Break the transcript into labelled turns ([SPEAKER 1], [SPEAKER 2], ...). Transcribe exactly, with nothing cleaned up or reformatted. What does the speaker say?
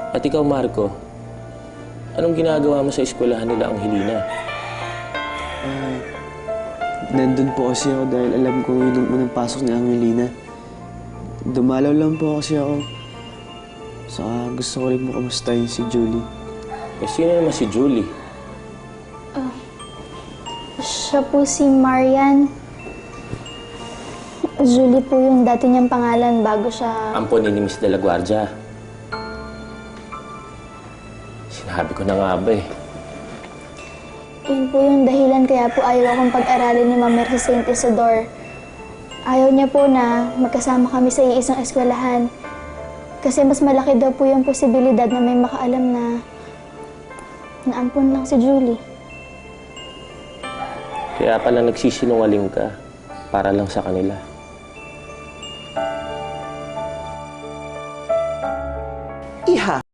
[SPEAKER 1] At ikaw, Marco, anong ginagawa mo sa eskwelahan nila Angelina?
[SPEAKER 2] Ah, nandun po kasi ako dahil alam ko yun ang unang pasok ni Angelina. Dumalaw lang po kasi ako. Saka gusto ko rin mo kamustahin si Julie.
[SPEAKER 1] Eh, sino naman si Julie?
[SPEAKER 3] Uh, siya po si Marian. Julie po yung dati niyang pangalan bago siya...
[SPEAKER 1] Ampon ni Miss De La Guardia. Sinabi ko na nga ba eh.
[SPEAKER 3] Yun po yung dahilan kaya po ayaw akong pag-aralin ni Ma'am Mer sa Saint Isidore. Ayaw niya po na magkasama kami sa iisang eskwelahan. Kasi mas malaki daw po yung posibilidad na may makaalam na naampon lang si Julie.
[SPEAKER 1] Kaya pala nagsisinungaling ka para lang sa kanila.
[SPEAKER 4] Iha,